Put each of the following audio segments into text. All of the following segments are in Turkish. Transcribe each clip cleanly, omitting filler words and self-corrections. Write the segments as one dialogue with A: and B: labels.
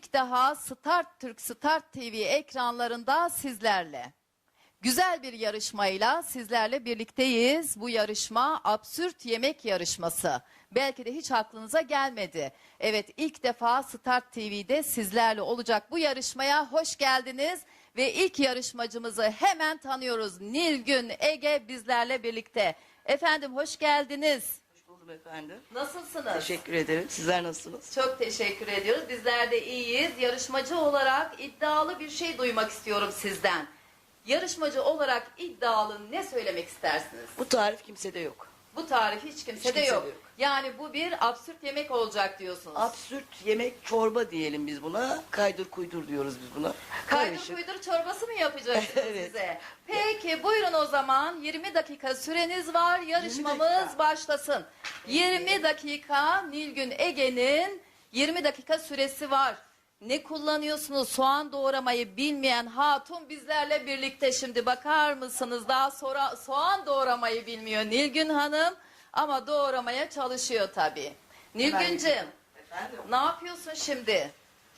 A: ilk daha Start Türk, Start TV ekranlarında sizlerle. Güzel bir yarışmayla sizlerle birlikteyiz. Bu yarışma absürt yemek yarışması. Belki de hiç aklınıza gelmedi. Evet, ilk defa Start TV'de sizlerle olacak bu yarışmaya hoş geldiniz. Ve ilk yarışmacımızı hemen tanıyoruz. Nilgün Ege bizlerle birlikte. Efendim hoş geldiniz.
B: Hoş buldum efendim.
A: Nasılsınız?
B: Teşekkür ederim. Sizler nasılsınız?
A: Çok teşekkür ediyoruz. Bizler de iyiyiz. Yarışmacı olarak iddialı bir şey duymak istiyorum sizden. Yarışmacı olarak iddialı ne söylemek istersiniz?
B: Bu tarif kimsede yok.
A: Bu tarif hiç kimsede yok. Yani bu bir absürt yemek olacak diyorsunuz.
B: Absürt yemek çorba diyelim biz buna. Kaydır kuydur diyoruz biz buna.
A: Kaydır
B: Karışık.
A: kuydur çorbası mı yapacaksınız
B: Evet.
A: size? Peki buyurun o zaman 20 dakika süreniz var. Yarışmamız başlasın. 20 dakika Nilgün Ege'nin 20 dakika süresi var. Ne kullanıyorsunuz? Soğan doğramayı bilmeyen hatun bizlerle birlikte şimdi bakar mısınız? Daha sonra soğan doğramayı bilmiyor Nilgün Hanım ama doğramaya çalışıyor tabii. Nilgüncüm
B: Efendim?
A: ne yapıyorsun şimdi?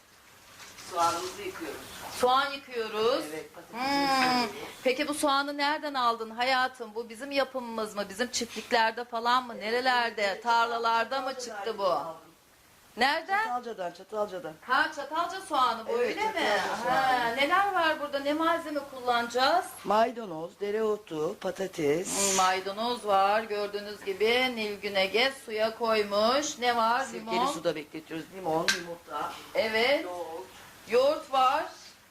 B: Soğanımızı yıkıyoruz.
A: Soğan yıkıyoruz.
B: Evet, patatesimizi yıkıyoruz.
A: Peki bu soğanı nereden aldın hayatım? Bu bizim yapımımız mı? Bizim çiftliklerde falan mı? Nerelerde? Tarlalarda mı çıktı bu? Nereden?
B: Çatalca'dan.
A: Ha Çatalca soğanı bu
B: Evet,
A: öyle mi?
B: Çatalca
A: Ha,
B: soğanı.
A: neler var burada? Ne malzeme kullanacağız?
B: Maydanoz, dereotu, patates,
A: Maydanoz var gördüğünüz gibi. Nilgün Ege suya koymuş. Ne var?
B: sirkeli
A: Limon.
B: suda bekletiyoruz. Limon, yumurta,
A: Evet.
B: yoğurt,
A: Yoğurt var.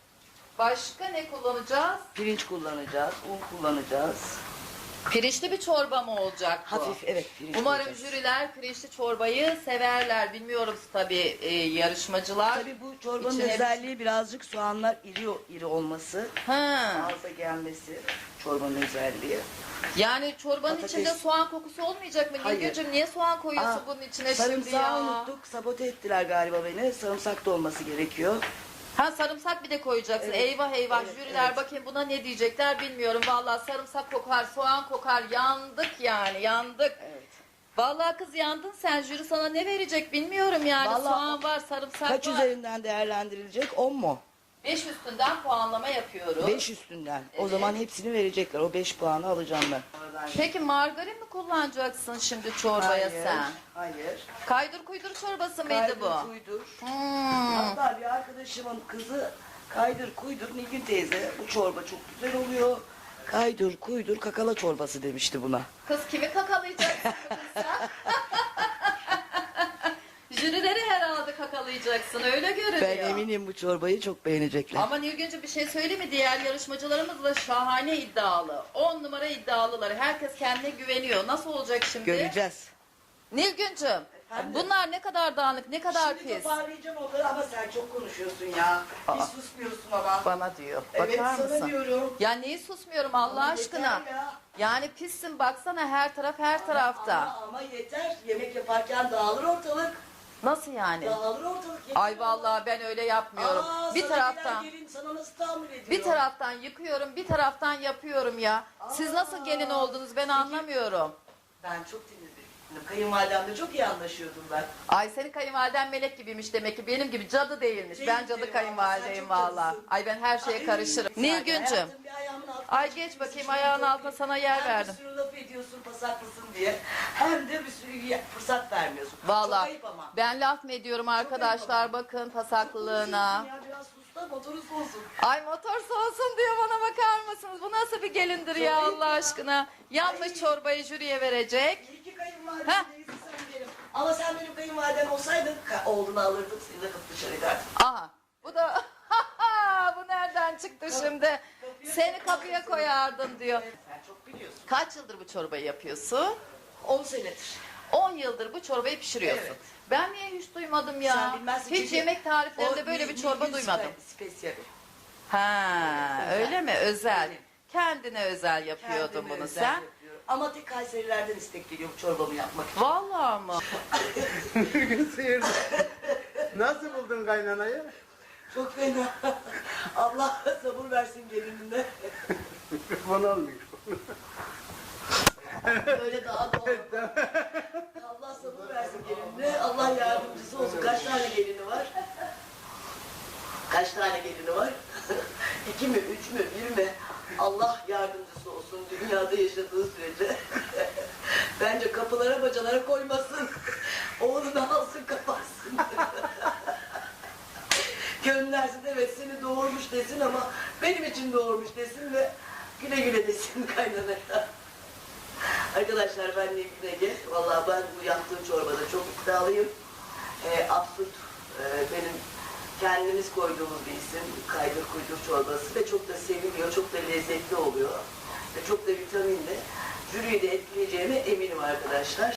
A: Başka ne kullanacağız?
B: pirinç kullanacağız, un kullanacağız.
A: Pirinçli bir çorba mı olacak bu?
B: Hafif, evet, pirinç
A: Umarım
B: koyacağız.
A: jüriler pirinçli çorbayı severler. Bilmiyorum tabii yarışmacılar.
B: Tabii bu çorbanın
A: İçine-
B: özelliği birazcık soğanlar iri olması,
A: Ha.
B: ağza gelmesi çorbanın özelliği.
A: Yani çorbanın
B: Patates.
A: içinde soğan kokusu olmayacak mı?
B: Hayır.
A: Nilgüncüm niye soğan koyuyorsun
B: Aa,
A: bunun içine şimdi
B: sarımsağı
A: ya?
B: unuttuk, sabote ettiler galiba beni. Sarımsak da olması gerekiyor.
A: Ha sarımsak bir de koyacaksın.
B: Evet.
A: Eyvah eyvah
B: Evet,
A: jüriler
B: evet.
A: bakayım buna ne diyecekler bilmiyorum. Vallahi sarımsak kokar, soğan kokar. Yandık yani yandık.
B: Evet.
A: Vallahi kız yandın sen. Jüri sana ne verecek bilmiyorum yani.
B: Vallahi
A: soğan var, sarımsak
B: Kaç
A: var.
B: üzerinden değerlendirilecek? 10 mu?
A: 5 üstünden puanlama yapıyoruz.
B: 5 üstünden. O
A: Evet.
B: zaman hepsini verecekler. O 5 puanı alacağım ben.
A: Peki margarin mi kullanacaksın şimdi çorbaya sen?
B: Hayır.
A: Kaydır kuydur çorbası mıydı
B: Kaydır
A: bu?
B: kuydur.
A: Hmm.
B: Hatta bir arkadaşımın kızı kaydır kuydur Nilgün teyze bu çorba çok güzel oluyor. Kaydır kuydur kakala çorbası demişti buna.
A: Kız kimi kakalayacaksın kız sen? Jürileri herhalde kakalayacaksın öyle görünüyor.
B: Ben eminim bu çorbayı çok beğenecekler.
A: Ama Nilgüncü bir şey söyleyeyim mi? Diğer yarışmacılarımız da şahane iddialı. 10 numara iddialılar. Herkes kendine güveniyor. Nasıl olacak şimdi?
B: Göreceğiz.
A: Nilgüncüm
B: Efendim?
A: bunlar ne kadar dağınık, ne kadar
B: Şimdi
A: pis.
B: toparlayacağım onları ama sen çok konuşuyorsun ya. Hiç susmuyorsun ama.
A: Bana diyor.
B: Evet
A: Bakar
B: sana
A: mısın?
B: diyorum.
A: Ya neyi susmuyorum Allah
B: Ama
A: aşkına.
B: yeter ya.
A: Yani pissin baksana her taraf her tarafta.
B: Ama yeter. Yemek yaparken dağılır ortalık.
A: Nasıl yani?
B: Dağılır ortalık. Yeter.
A: Ay vallahi ben öyle yapmıyorum. Bir
B: sana
A: taraftan
B: gelen gelin sana nasıl tahammül ediyor?
A: bir taraftan yıkıyorum, bir taraftan yapıyorum ya. Siz nasıl gelin oldunuz ben anlamıyorum.
B: Ben çok dinledim. Kayınvalidemle çok iyi anlaşıyordum ben.
A: Ay senin kayınvaliden melek gibiymiş demek ki benim gibi cadı değilmiş.
B: Değil
A: Ben cadı
B: vallahi,
A: kayınvalideyim
B: sen çok
A: valla.
B: cadısın.
A: Ay ben her şeye
B: Ay,
A: karışırım.
B: sen
A: Nilgüncüm.
B: hayatım bir ayağımın altına
A: Ay
B: çıkmışsın,
A: geç bakayım
B: şunu
A: ayağın
B: çok
A: altına
B: iyi.
A: sana yer
B: Hem
A: verdim.
B: bir sürü laf ediyorsun pasaklısın diye. Hem de bir sürü fırsat vermiyorsun. Çok
A: Valla
B: ayıp ama.
A: ben laf mı ediyorum arkadaşlar bakın pasaklılığına.
B: Ya biraz sus da motoru soğusun.
A: Ay motor soğusun diyor bana bakar mısınız? Bu nasıl bir gelindir ya
B: Çok iyi
A: Allah
B: ya.
A: aşkına. Yanlış
B: Ay.
A: çorbayı jüriye verecek.
B: İyi ki kayınvalidem değilsin sen benim. Ama sen benim kayınvalidem olsaydın oğlunu alırdım seni de kapı dışarı ederdim.
A: Aha bu da bu nereden çıktı şimdi? Seni kapıya koyardım diyor.
B: Sen çok biliyorsun.
A: Kaç yıldır bu çorbayı yapıyorsun?
B: 10 senedir.
A: 10 yıldır bu çorbayı pişiriyorsun.
B: Evet.
A: Ben niye hiç duymadım ya?
B: Sen bilmezsin
A: Hiç
B: çünkü
A: yemek tariflerinde
B: o
A: böyle bir çorba
B: Nilgün
A: duymadım.
B: Spesiyeli.
A: Ha,
B: Özel.
A: öyle mi? Özel.
B: Evet.
A: Kendine özel yapıyordun
B: Kendime
A: bunu
B: özel
A: sen.
B: yapıyorum. Ama tek Kayserilerden istek geliyor bu çorbamı yapmak için.
A: Vallahi mı?
C: Sıyırdı. Nasıl buldun kaynanayı?
B: Çok fena. Allah sabır versin gelinine.
C: Mikrofon olmuyor.
B: Öyle daha doğru. Allah sabır versin gelinine. Allah yardımcısı olsun. Kaç tane gelini var? Kaç tane gelini var? 2 mi, 3 mü, 1 mi? Allah yardımcısı olsun dünyada yaşadığı sürece. Bence kapılara bacalara koymasın. Oğlunu alsın kapatsın. Göndersin, evet seni doğurmuş desin ama benim için doğurmuş desin ve güle güle desin kaynanaya. Arkadaşlar ben Nilgün Ege. Vallahi ben bu yaptığım çorbada çok iddialıyım. Absürt benim kendimiz koyduğumuz bir isim. Kaydır kuydur çorbası ve çok da seviliyor, çok da lezzetli oluyor. Ve çok da vitaminli. Jüriyi de etkileyeceğime eminim arkadaşlar.